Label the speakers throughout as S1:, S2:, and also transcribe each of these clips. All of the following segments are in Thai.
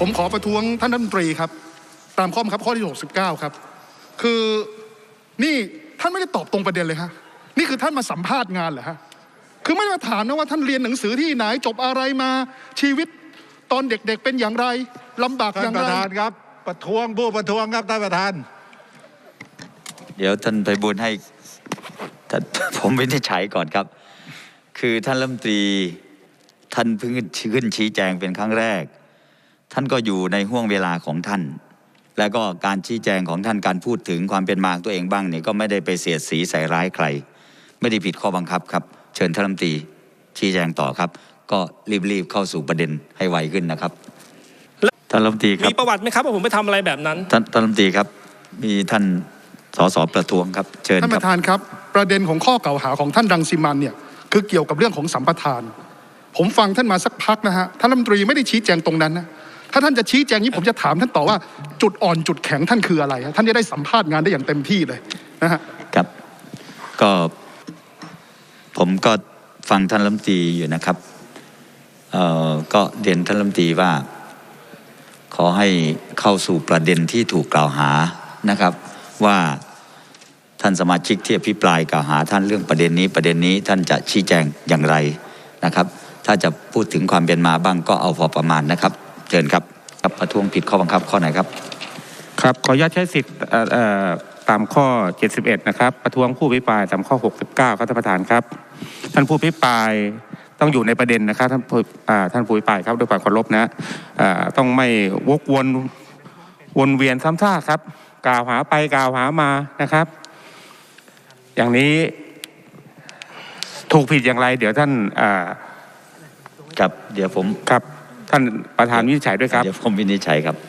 S1: ผมขอประท้วงท่านรัฐมนตรีครับตามข้อบังคับข้อที่69ครับคือนี่ท่านไม่ได้ตอบตรงประเด็นเลยฮะนี่คือท่านมาสัมภาษณ์งานเหรอฮะคือไม่ได้มาถามนะว่าท่านเรียนหนังสือที่ไหนจบอะไรมาชีวิตตอนเด็กๆเป็นอย่างไรลำบากอย่างไร
S2: ท่านประธานครับประท้วงผู้ประท้วงครับท่านประธาน
S3: เดี๋ยวท่านไพบูลย์ให้ผมวินิจฉัยก่อนครับคือท่านรัฐมนตรีท่านเพิ่งขึ้นชี้แจงเป็นครั้งแรกท่านก็อยู่ในห่วงเวลาของท่านแล้วก็การชี้แจงของท่านการพูดถึงความเป็นมาของตัวเองบ้างเนี่ยก็ไม่ได้ไปเสียดสีใส่ร้ายใครไม่ได้ผิดข้อบังคับครับเชิญท่านรัฐมนตรีชี้แจงต่อครับก็รีบเข้าสู่ประเด็นให้ไวขึ้นนะครับท่านรัฐมนตรีครับ
S4: มีประวัติไหมครับว่าผมไปทำอะไรแบบนั้น
S3: ท่านรัฐมนตรีครับมีท่านสสประท้วงครับเชิญครับ
S1: ท่านประธานครับประเด็นของข้อกล่าวหาของท่านรังสิมันเนี่ยคือเกี่ยวกับเรื่องของสัมปทานผมฟังท่านมาสักพักนะฮะท่านรัฐมนตรีไม่ได้ชี้แจงตรงนั้นนะถ้าท่านจะชี้แจงนี้ผมจะถามท่านต่อว่าจุดอ่อนจุดแข็งท่านคืออะไรท่านจะได้สัมภาษณ์งานได้อย่างเต็มที่เลยนะฮะ
S3: ครับก็ผมก็ฟังท่านรัฐมนตรีอยู่นะครับก็เรียนท่านรัฐมนตรีว่าขอให้เข้าสู่ประเด็นที่ถูกกล่าวหานะครับว่าท่านสมาชิกที่อภิปรายกล่าวหาท่านเรื่องประเด็นนี้ท่านจะชี้แจงอย่างไรนะครับถ้าจะพูดถึงความเป็นมาบ้างก็เอาพอประมาณนะครับเชิญครับครับประท้วงผิดข้อบังคับข้อไหนครับ
S5: ครับขออนุญาตใช้สิทธิ์ตามข้อ71นะครับประท้วงผู้อภิปรายตามข้อ69ครับท่านประธานครับท่านผู้อภิปรายต้องอยู่ในประเด็นนะครับท่านผู้อภิปรายครับด้วยความเคารพนะต้องไม่วกวนเวียนซ้ำซากครับกล่าวหาไปกล่าวหามานะครับอย่างนี้ถูกผิดอย่างไรเดี๋ยวท่าน
S3: ครับเดี๋ยวผม
S5: ครับท่านประธานวินิจฉัยด้วยครับ
S3: เดี๋ยวผมวินิจฉัยครับ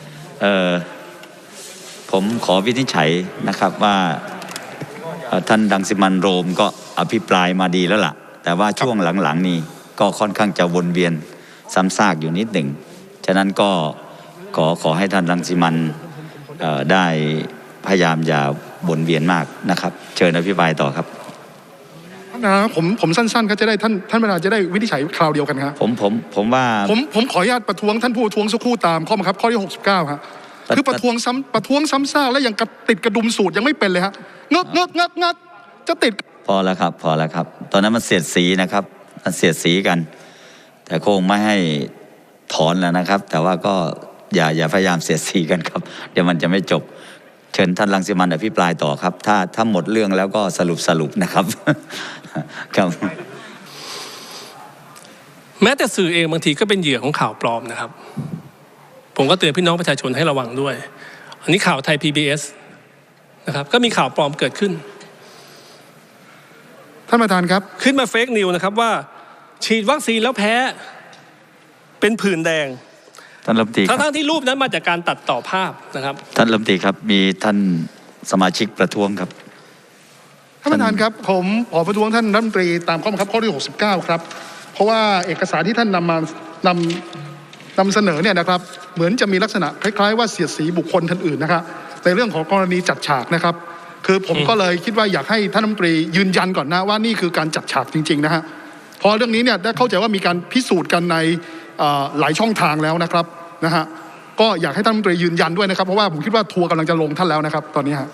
S3: ผมขอวินิจฉัยนะครับว่าท่านรังสิมันโรมก็อภิปรายมาดีแล้วล่ะแต่ว่าช่วงหลังๆนี้ก็ค่อนข้างจะวนเวียนซ้ำซากอยู่นิดหนึ่งฉะนั้นก็ขอให้ท่านรังสิมันได้พยายามอย่าวนเวียนมากนะครับเชิญอภิปรายต่อครับ
S1: นะผมสั้นๆก็จะได้ท่านประธานจะได้วินิจฉัยคราวเดียวกันครับ
S3: ผมว่า
S1: ผมขออนุญาตประท้วงท่านผู้ประท้วงสักครู่ตามข้อบังคับข้อที่69ครับคือประท้วงซ้ำซากแล้วยังติดกระดุมสูตรยังไม่เป็นเลยฮะเงกจะติด
S3: พอแล้วครับตอนนั้นมันเสียดสีนะครับมันเสียดสีกันแต่คงไม่ให้ถอนแล้วนะครับแต่ว่าก็อย่าพยายามเสียดสีกันครับเดี๋ยวมันจะไม่จบเชิญท่านรังสิมันอภิปรายต่อครับถ้าหมดเรื่องแล้วก็สรุปนะครับครับ
S4: แม้แต่สื่อเองบางทีก็เป็นเหยื่อของข่าวปลอมนะครับผมก็เตือนพี่น้องประชาชนให้ระวังด้วยอันนี้ข่าวไทย PBS นะครับก็มีข่าวปลอมเกิดขึ้น
S1: ท่านประธานครับ
S4: ขึ้นมาเฟกนิวนะครับว่าฉีดวัคซีนแล้วแพ้เป็นผื่นแดง
S3: ท่านรัฐมนตรี
S4: ทั้งที่รูปนั้นมาจากการตัดต่อภาพนะครับ
S3: ท่านรัฐมนตรีครับมีท่านสมาชิกประท้วงครับ
S1: ท่านประธานครับผมขอประท้วงท่านรัฐมนตรีตามข้อบังคับข้อที่69ครับเพราะว่าเอกสารที่ท่านนำเสนอเนี่ยนะครับเหมือนจะมีลักษณะคล้ายๆว่าเสียดสีบุคคลท่านอื่นนะครับในเรื่องของกรณีจัดฉากนะครับคือผมก็เลยคิดว่าอยากให้ท่านรัฐมนตรียืนยันก่อนนะว่านี่คือการจัดฉากจริงๆนะฮะพอเรื่องนี้เนี่ยได้เข้าใจว่ามีการพิสูจน์กันในหลายช่องทางแล้วนะครับนะฮะก็อยากให้ท่านรัฐมนตรียืนยันด้วยนะครับเพราะว่าผมคิดว่าทัวร์กำลังจะลงท่านแล้วนะครับตอนนี้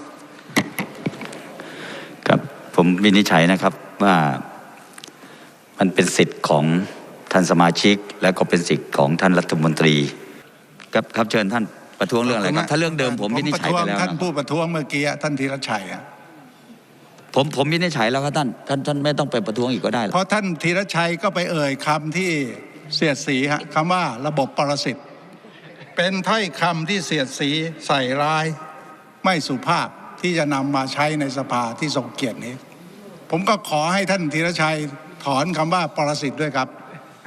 S3: ครับผมวินิจฉัยนะครับว่ามันเป็นสิทธิ์ของท่านสมาชิกและก็เป็นสิทธิ์ของท่านรัฐมนตรีครับเชิญท่านประท้วงเรื่องอะไรครับถ้าเรื่องเดิมผมวินิจฉัยไปแล้ว
S2: ท่านผู้ประท้วงเมื่อกี้ท่านธีรชัย
S3: ผมวินิจฉัยแล้วครับท่านไม่ต้องไปประท้วงอีกก็ได้
S2: เพราะท่านธีรชัยก็ไปเอ่ยคำที่เสียดสีฮะคำว่าระบบปรสิตเป็นถ้อยคำที่เสียดสีใส่ร้ายไม่สุภาพที่จะนำมาใช้ในสภาที่ทรงเกียรตินี้ผมก็ขอให้ท่านธีรชัยถอนคำว่าปรสิตด้วยครับ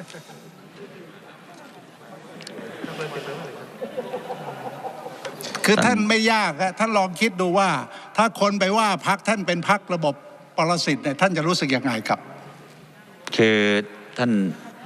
S2: คือท่านไม่ยากฮะท่านลองคิดดูว่าถ้าคนไปว่าพรรคท่านเป็นพรรคระบบปรสิตเนี่ยท่านจะรู้สึกยังไงครับ
S3: คือท่าน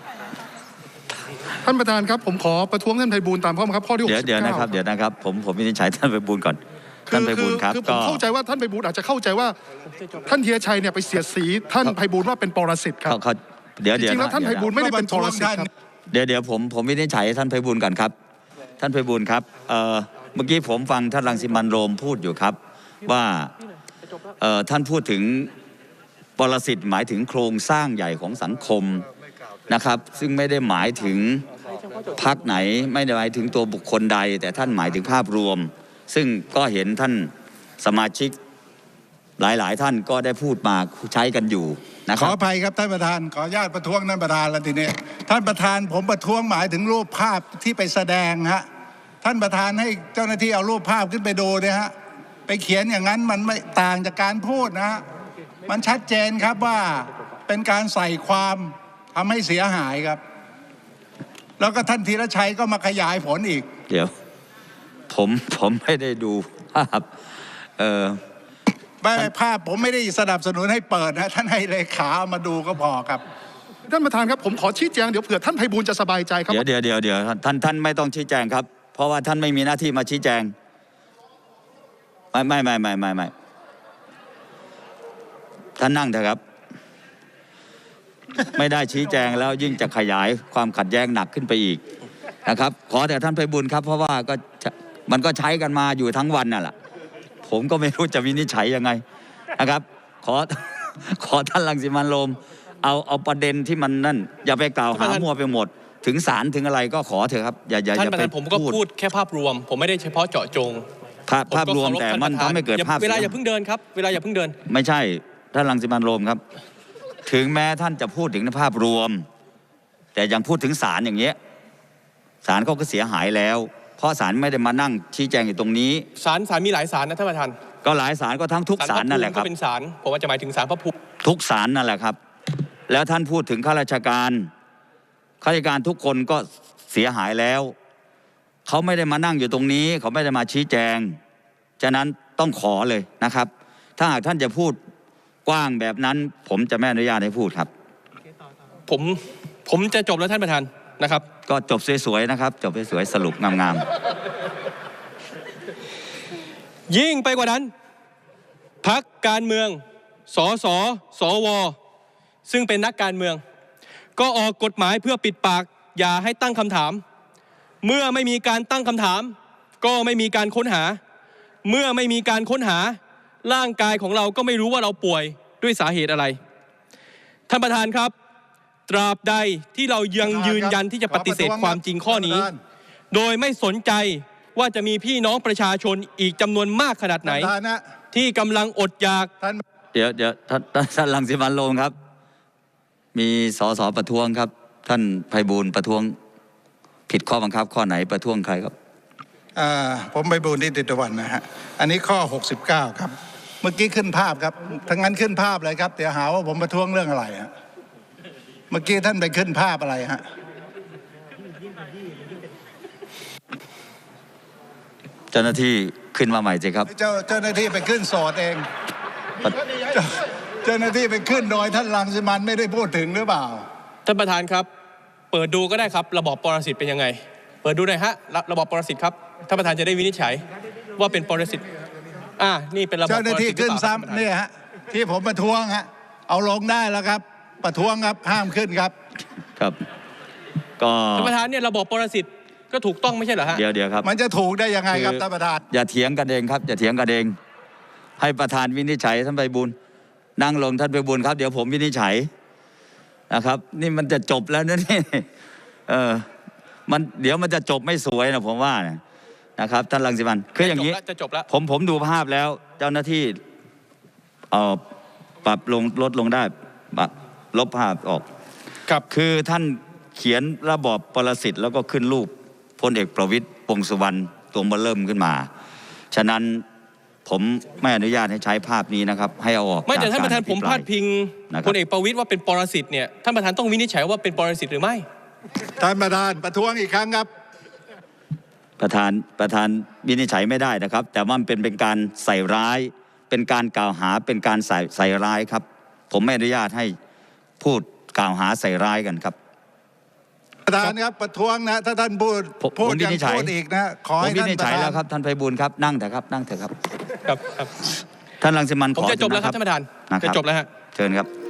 S1: ประธานครับผมขอประท้วงท่านไพบูลย์ตามข้อบังคับข้อที่69
S3: เดี๋ยวนะครับผมวินิจฉัยท่านไพบูลย์ก่อนท่านไพบูลย์ครับ
S1: คือผมเข้าใจว่าท่านไพบูลย์อาจจะเข้าใจว่าท่านธีรชัยเนี่ยไปเสียดสีท่านไพบูลย์ว่าเป็นปรสิตครับ
S3: เดี๋ยว
S1: จริงๆแล้วท่านไพบูลย์ไม่ได้เป็นปรสิตครับ
S3: เดี๋ยวผมวินิจฉัยท่านไพบูลย์ก่อนครับท่านไพบูลย์ครับเมื่อกี้ผมฟังท่านรังสิมันต์โรมพูดอยู่ครับว่าท่านพูดถึงปรสิตหมายถึงโครงสร้างใหญ่ของสังคมนะครับซึ่งไม่ได้หมายถึงพรรคไหนไม่ได้หมายถึงตัวบุคคลใดแต่ท่านหมายถึงภาพรวมซึ่งก็เห็นท่านสมาชิกหลายๆท่านก็ได้พูดมาใช้กันอยู่นะค
S2: ข
S3: รั
S2: อบ อภัยครับท่านประธานขออนุญาตประท้วงท่านประธานแล้วทีนี้ท่านประธานผมประท้วงหมายถึงรูปภาพที่ไปแสดงฮะท่านประธานให้เจ้าหน้าที่เอารูปภาพขึ้นไปดูเนี่ยฮะไปเขียนอย่างนั้นมันไม่ต่างจากการพูดนะฮะมันชัดเจนครับว่าเป็นการใส่ความทำให้เสียหายครับแล้วก็ท่านธีรชัยก็มาขยายผลอีก
S3: เดี๋ยวผมไม่ได้ดูภาพ
S2: ไม่ภาพผมไม่ได้สนับสนุนให้เปิดนะท่านให้เลขาเอามาดูก็พอครับ
S1: ท่านประธานครับผมขอชี้แจงเดี๋ยวเผื่อท่านไพบูลย์จะสบายใจครับ
S3: เดี๋ยวท่านไม่ต้องชี้แจงครับเพราะว่าท่านไม่มีหน้าที่มาชี้แจงไม่ท่านนั่งเถอะครับไม่ได้ชี้แจงแล้วยิ่งจะขยายความขัดแย้งหนักขึ้นไปอีกนะครับขอแต่ท่านไพบูลย์ครับเพราะว่ามันก็ใช้กันมาอยู่ทั้งวันน่ะแหละผมก็ไม่รู้จะวินิจฉัยยังไงนะครับขอท่านรังสิมันต์โรมเอาประเด็นที่มันนั่นอย่าไปกล่าวหามั่วไปหมดถึงศาลถึงอะไรก็ขอเถอะครับอย่าไป
S6: ผมก็พูดแค่ภาพรวมผมไม่ได้เฉพาะเจาะจง
S3: ภาพรวมแต่มันทำให้เกิดภาพ
S6: เวลาอย่าเพิ่งเดินครับเวลาอย่าเพิ่งเดิน
S3: ไม่ใช่ท่านรังสิมันต์โรมครับถึงแม้ท่านจะพูดถึงในภาพรวมแต่ยังพูดถึงศาลอย่างเงี้ยศาลเขาก็เสียหายแล้วเพราะศาลไม่ได้มานั่งชี้แจงอยู่ตรงนี้
S6: ศาลมีหลายศาลนะท่านประธาน
S3: ก็หลายศาลก็ทั้งทุกศาลนั่นแหละครับ
S6: ก็เป็นศาลผมว่าจะหมายถึงศาลพระภูมิ
S3: ทุกศาลนั่นแหละครับแล้วท่านพูดถึงข้าราชการทุกคนก็เสียหายแล้วเขาไม่ได้มานั่งอยู่ตรงนี้เขาไม่ได้มาชี้แจงฉะนั้นต้องขอเลยนะครับถ้าหากท่านจะพูดกว้างแบบนั้นผมจะไม่อนุญาตให้พูดครับ
S6: ผมจะจบแล้วท่านประธานนะครับ
S3: ก็จบสวยๆนะครับจบสวยๆสรุปงาม
S6: ๆยิ่งไปกว่านั้นพรรคการเมืองสสสวซึ่งเป็นนักการเมืองก็ออกกฎหมายเพื่อปิดปากอย่าให้ตั้งคำถามเมื่อไม่มีการตั้งคำถามก็ไม่มีการค้นหาเมื่อไม่มีการค้นหาร่างกายของเราก็ไม่รู้ว่าเราป่วยด้วยสาเหตุอะไรท่านประธานครับตราบใดที่เรายังยืนยันที่จะปฏิเสธความจริงข้อนี้โดยไม่สนใจว่าจะมีพี่น้องประชาชนอีกจำนวนมากขนาดไหนที่กำลังอดอยาก
S3: เดี๋ยวท่านรังสิมันต์โรมครับมีสสประท้วงครับท่านไพบูลย์ประท้วงผิดข้อบังคับข้อไหนประท้วงใครครับ
S2: ผมไพบูลย์นิติตะวันนะฮะอันนี้ข้อ69ครับเมื่อกี้ขึ้นภาพครับทั้งนั้นขึ้นภาพเลยครับเดี๋ยวหาว่าผมประท้วงเรื่องอะไรฮะเมื่อกี้ท่านไปขึ้นภาพอะไรฮะ
S3: เจ้าหน้าที่ขึ้นมาใหม่สิครับ
S2: เจ้าหน้าที่ไปขึ้นโสดเองเจ้าหน้าที่ไปขึ้นโดยท่านรังสิมันต์ไม่ได้พูดถึงหรือเปล่า
S6: ท่านประธานครับเปิดดูก็ได้ครับระบอบปรสิตเป็นยังไงเปิดดูหน่อยฮะระบอบปรสิตครับท่านประธานจะได้วินิจฉัยว่าเป็นปรสิตนี่เป็นระบอบ
S2: เจ้าหน้าที่ขึ้นซ้ำเนี่ยฮะที่ผมประท้วงฮะเอาลงได้แล้วครับประท้วงครับห้ามขึ้นครับ
S3: ครับก็
S6: ท่านประธานเนี่ยระบอบปรสิตก็ถูกต้องไม่ใช่เหรอฮะ
S3: เดี๋ยวครับ
S2: มันจะถูกได้ยังไงครับท่านประธาน
S3: อย่าเถียงกันเองครับอย่าเถียงกันเองให้ประธานวินิจฉัยท่านไพบูลย์นั่งลงท่านไพบูลย์ครับเดี๋ยวผมวินิจฉัยนะครับนี่มันจะจบแล้วนะนี่เดี๋ยวมันจะจบไม่สวยนะผมว่านะครับท่านรังสิมันต์คืออย่างนี้
S6: จะจบแล้ว
S3: ผมดูภาพแล้วเจ้าหน้าที่ปรับลงลดลงได้ลบภาพออก
S6: ครับ
S3: คือท่านเขียนระบอบปรสิตแล้วก็ขึ้นรูปพลเอกประวิตรวงษ์สุวรรณตัวเริ่มขึ้นมาฉะนั้นผมไม่อนุญาตให้ใช้ภาพนี้นะครับให้เอาออก
S6: ไม่แต่ท่านประธานผมพาดพิงพลเอกประวิตรว่าเป็นปรสิตเนี่ยท่านประธานต้องวินิจฉัยว่าเป็นปรสิตหรือไม่
S2: ท่านประธานประท้วงอีกครั้งครับ
S3: ประธานวินิจฉัยไม่ได้นะครับแต่ว่ามันเป็นการใส่ร้ายเป็นการกล่าวหาเป็นการใส่ร้ายครับผมไม่อนุญาตให้พูดกล่าวหาใส่ร้ายกันครับ
S2: ประธานครับประท้วงนะถ้าท่านพูดยังพูดอีกนะขอให้ท่าน
S3: วินิจฉัยแล้วครับท่านไพบูลย์ครับนั่งเถอะครับนั่งเถอะครับ
S6: ครับ
S3: ท่านรังสิมันต์
S6: ผมจะจบแล้วครับท่านประธานจะจบแล้วฮะ
S3: เชิญครับ